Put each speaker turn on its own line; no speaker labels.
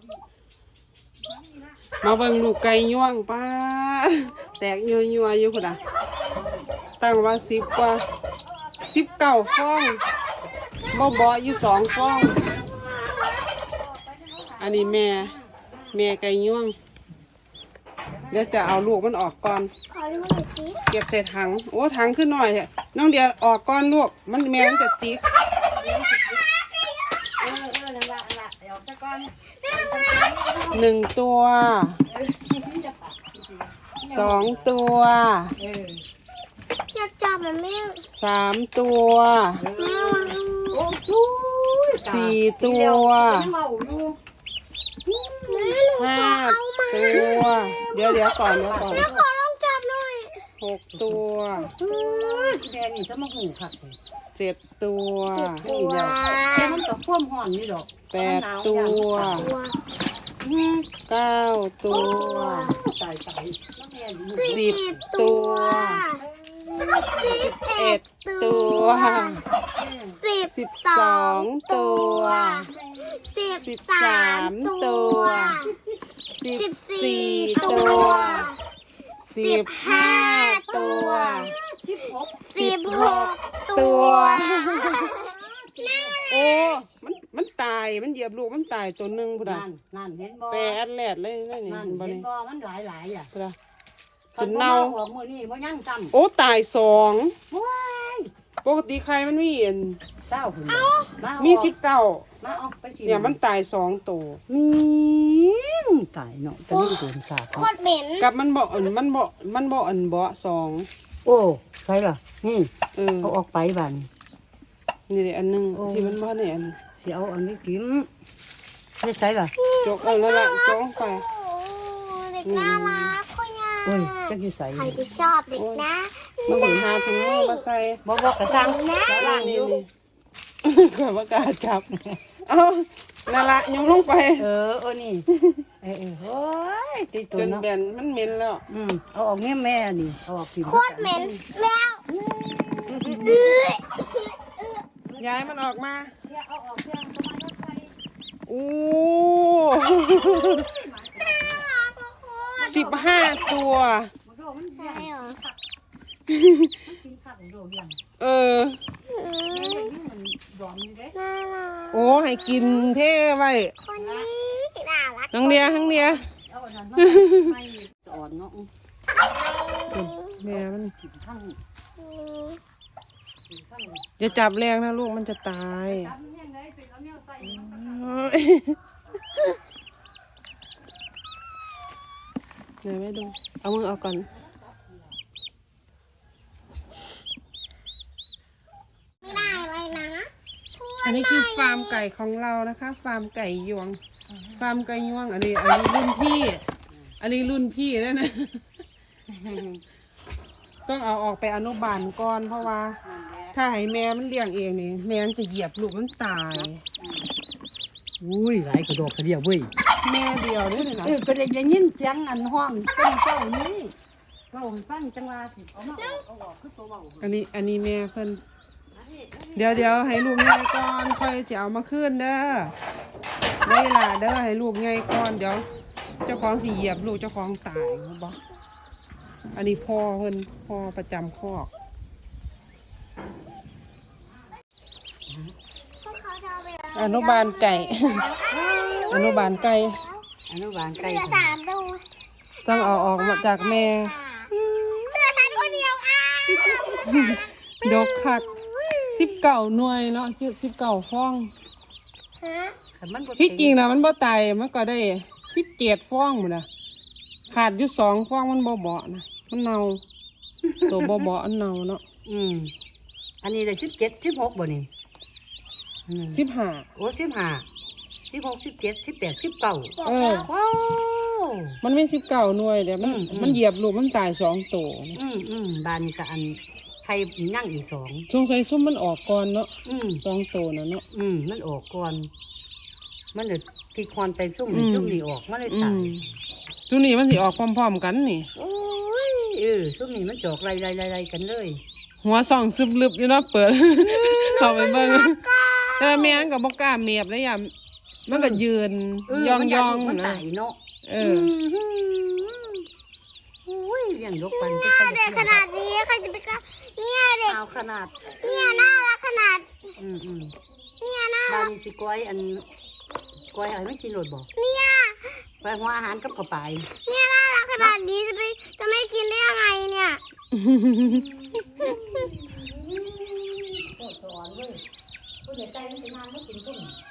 มาเบิ่งลูกไก่ย่วงป้าแตกยัวอยู่พุ่นน่ะตั้งว่า10 กว่า19 ฟองบ่อยู่2 ฟองอันนี้แม่ไก่ย่วงเดี๋ยวจะเอาลูกมันออกก่อนเก็บใส่ถังโอ้ถังขึ้นหน่อยน้องเดียวออกก่อนลูกมันแม่มันจะจิก1 ตัว2 ตัว
อยากจับมันแม่
3 ตัว4 ตัว5 ตัวเดี๋ยวก่อน
ขอลองจับหน่อย
6 ตัว
แดงนี่จะมาหูค่ะ
7 ตัว
แค่มันต่อพ่วมห่อนนี่ดอก
8 ตัว9 ตัว10 ตัว11 ตัว12 ตัว13 ตัว14 ตัว15 ตัว16 ตัวโอ้มันตายมันเหยียบลูกมันตายตัวนึงพุ่นน่ะ
นั่นเห็นบ่
แปดแหลดเลยนี่
เห็นบ่มันหลายอ่ะ
พุ่นน่ะจนเน่า
ออกมื้อนี้บ่ยังซ้ำ
โอ้ตาย2
ว้าย
ปกติใครมันมี
20พุ่น
มี19
มาเอาไปสิ
เนี่ยมันตาย2ตัว
ตายเนาะจะนี่โดนสาบ
โคตรเหม็น
กับมันบ่บ่2
โอ้ใช่ล่ะนี่เอาออกไปบัด
นี่อันนึงที่มันบ่เนี่ย
สิเอาอันนี้กินไม่ใช่ล่ะ
จกนั่นล่ะจกไป
เด็กน่ารักคุยง่าย
โอ้ยจักสิใส่
ใครที่ชอบเด็กนะ
มันถึงหาถุงมือมาใส่
บ่กระซังแล้วล่างอยู่
ก็บ่กล้าจับเอ้านั่นล่ะยงลงไป
นี่โอ้ยติดตัว
จน
เนาะ
แบนมันเหม็นแล้ว
เอาออกแม่นี่เอาออกสิ
โคตรเหม็นแล้ว
ย้ายมันออกมา
เอาออกเพื่อนประมาณรถไฟ
โอ้15 ตัวโอ้ให้กินเท่ไว้น้องเดีย
อ่อนเนาะ
แม่มันอย่าจับแรงนะลูกมันจะตายเดี๋ยวแม่ดูเอามือเอาก่อน
ไม่ได้เลยนะ
อันนี้คือฟาร์มไก่ของเรานะคะฟาร์มไก่ยวงฟาร์มไก่ยวงอันนี้รุ่นพี่แล้วนะต้องเอาออกไปอนุบาลก่อนเพราะว่าถ้าให้แม่มันเลี้ยงเองนี่แม่มันจะเหยียบลูกมันตาย
อุ้ยหลายกระดอกกระเดียวเว้ย
แม่เดียวนี่เลยนะ
ก็ได้ยินเสียงอันห้องเป็นเจ้านี้เราฟังจังหวะสิเอามาเอาออกคือตัวเบา
อันนี้แม่เพิ่นเดี๋ยวให้ลูกใหญ่ก่อนค่อยจะเอามาขึ้นเด้อได้ล่ะเด้อให้ลูกใหญ่ก่อนเดี๋ยวเจ้าของสิเหยียบลูกเจ้าของตายบ่อันนี้พ่อเพิ่นพ่อประจำคอกอนุบาลไก่อนุบาลไก่
เหลือ3 ตัว
ต้องเอาออกมาจากแม่
เหลือฉันคนเดียว
ดกคัก19 หน่วยเนาะ19 ฟองที่จริงนะมันบ่ตายมันก็ได้17 ฟองหมดนะขาดอยู่2 ฟองมันบ่เบาะนะมันเน่าตัวบ่เบาะอันเน่าเนาะ
อันนี้ได้17 16บ่นี่
15
โอ้15 16 17 18 19ว้าว
มันไม่19 หน่วยเดี๋ยวมันเหยียบลูกมันตาย2 ตัว
บานกับอันไข่นั่งอีก2
สงสัยซุ่มมันออกก่อนเนาะ2 ตัวน่ะเนาะ
มันออกก่อนมันเดือดที่ควันไปซุ่มนี่ออกมันเลยตาย
ซุ่มนี่มันสิออกพร้อมๆกันนี่
โอ้ยซุ่มนี่มันจะออกไล่กันเลย
หัวส่องซึบลึบอยู่เนาะเปิดเข้าไปเบิ่งแต่แม่งก็บ่กล้าเมียบเลยอย่ามันก็ยืนยองๆ
มัน
นะ
ตายเนาะ
เออ
อุ้ยเลี้ยงยกปัน
เด็กขนาดนี้ใครจะไปกล้าเนี่ยเด็ก
เอาขนาด
เนี่ยน่ารักขนาด
อืม
เนี่ยน่า
บ้า
รั
น
ก
นี้สิก้อยก้อยให้มันกินโลดบ่
เนี่ย
ไปหัวอาหารกับกระป๋าย
เนี่ยน่ารักขนาดนี้จะไม่กินได้ยังไงเนี่ย
โคตรอ่อนเว้ยผู้ใหญ่ใจมันสินานบ่กินซุ่ม